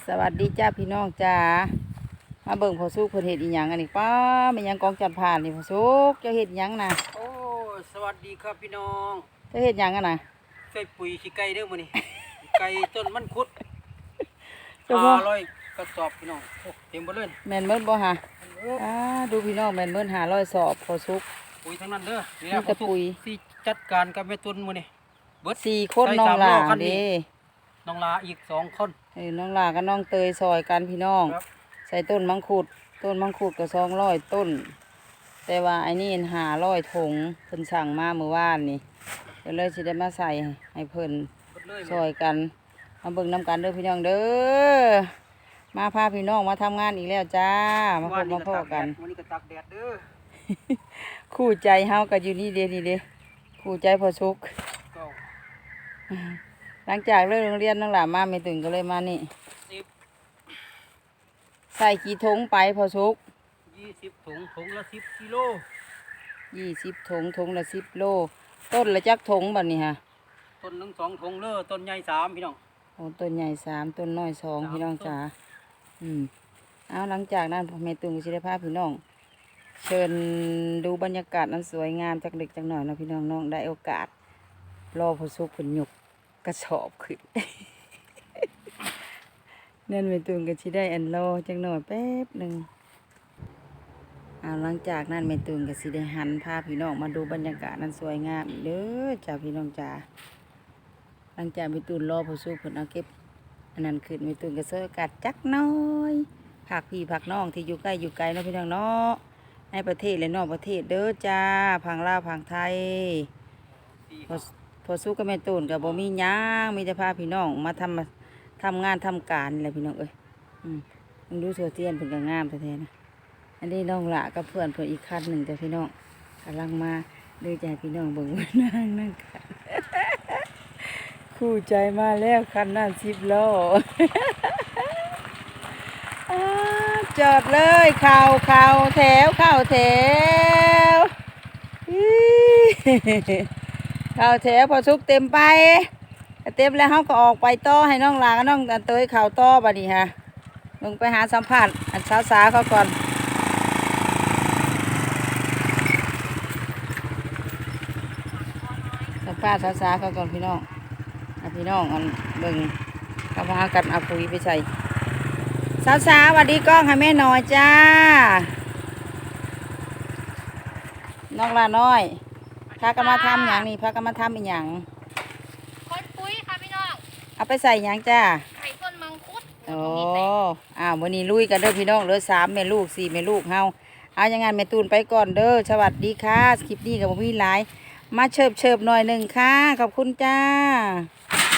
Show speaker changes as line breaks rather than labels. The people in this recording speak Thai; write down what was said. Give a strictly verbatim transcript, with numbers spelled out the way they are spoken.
สวัสดีจ้าพี่น้องจ้ามาเบิ่งพอสุกเพิ่นเฮ็ดอีหยังอันนี้ป้าแม่นหยังกองจันผ่านนี่พอสุกเจ้าเฮ็ดอีหยังน่ะ
โอ้สวัสดีครับพี่น้อง
เจ้าเฮ็ดหยังกันน่ะ
ใส่ปุ๋ยขี้ไก่เด้อมื้อนี้ ไก่ต้นมันคุด
เจ้าบ่
ห้าร้อยกระสอบพี่น้องโอ้เต็มเบ่เลย
แม่นเบิดบ่ฮะอ่าดูพี่น้องแม่นเบิดห้าร้อยสอบพอสุก
ปุ๋ยทั้งนั้นเด้อนี่
มีแต่ปุ๋ย
ที่จัดการกับแม่ตุนมื้อนี้เบิด
สี่คนน้องหลาเด้
น้องลาอีกสองคน
เออน้องหลากับน้องเตยซอยกันพี่น้องใส่ต้นมังคุดต้นมังคุดก็สองร้อยต้นแต่ว่าไอ้นี่ห้าร้อยถุงเพิ่นสั่งมาเมื่อวานนี่ก็เลยสิได้มาใส่ให้เพิ่นซอยกันมาเบิ่งน้ำกันเด้อพี่น้องเด้อมาพาพี่น้องมาทำงานอีกแล้วจ้ามาพบมาพ่อกัน
วันนี้ก็ตากแดดเด้อ
คู่ใจเฮาก็อยู่นี่เด้นี่เด้คู่ใจพอสุกหลังจากเลิกโรงเรียนน้องหลานมาไม่ถึงก็เลยมานี่ใส่กี่ถุงไปพอสุก
ยี่สิบถุงถุงละสิบกิโล
ยี่สิบถุงถุงละสิบโลต้นละจักถุงแบบนี้ฮะ
ต้นหนึ่งสองถุงเด้อต้นใหญ่สามพี่น้อง
โอ้ต้นใหญ่สามต้นน้อยสองพี่น้องจ๋าอืมเอาหลังจากนั้นพ่อแม่ตุงก็สิได้พาพี่น้องเชิญดูบรรยากาศนั้นสวยงามจากเด็กจากหน่อยนะพี่น้องน้องได้โอกาสรอพอสุกผลหยกกระสอบขึ้น นั่นแม่ตุงก็สิได้อันรอจักหน่อยแป๊บหนึ่งเอาหลังจากนั้นแม่ตุงก็สิได้หันพาพี่น้องมาดูบรรยากาศนั้นสวยงามอีกเด้อจ้าพี่น้องจ๋าหลังจากแม่ตุงรอพอสุกผลเอาเก็บอันนั้นขึ้นแม่ตุงก็สวยอากาศจักหน้อยผักพี่ผักน้องที่อยู่ใกล้อยู่ไกลเนาะพี่น้องเนาะในประเทศและนอกประเทศเด้อจ้าพังลาวพังไทยพอพอสู้กับแม่ตูนกับบ่มีหยังมีแต่พาพี่น้องมาทำมาทำงานทำการอะไรพี่น้องเอ้ยอืมมึงดูโซเทียนเพิ่นก็งามแท้ๆนะอันนี้น้องละกับเพื่อนเพื่อนอีกคันหนึ่งจ้ะพี่น้องกำลังมาดูใจพี่น้องเบิ่งว่านั่งนั่งกัน คู่ใจมาแล้วคันนั้นสิบล้อ จอดเลยเข่าเข่าแถวเข่าแถวเข่าแถวพอสุกเต็มไปเต็มแล้วเขาก็ออกไปต่อให้น้องลากับน้องเตยเข่าต่อบัดนี้ฮะลงไปหาสัมผัสอันสาวสาเขาก่อนสัมภาษณ์สาวสาเขาก่อนพี่น้องพี่น้องอันเบิ่งเขาพากันเอาปุ๋ยไปใส่สาวสาวสวัสดีกล้องให้แม่หน่อยจ้าน้องลาน้อยพากันมาทำอย่างนี้พากันมาทำเป็นอย่าง
คนปุ้ยค่ะพี่น้อง
เอาไปใส่อย่างจ้า
ไข่ต้นมังคุด
โอ้อ้าววันนี้ลุยกันเด้อพี่น้องเหลือสามแม่ลูกสี่แม่ลูกเฮาเอาอย่างงั้นแม่ตูนไปก่อนเด้อสวัสดีค่ะคลิปนี้กับพี่หลายมาเชิบเชิบหน่อยหนึ่งค่ะขอบคุณจ้า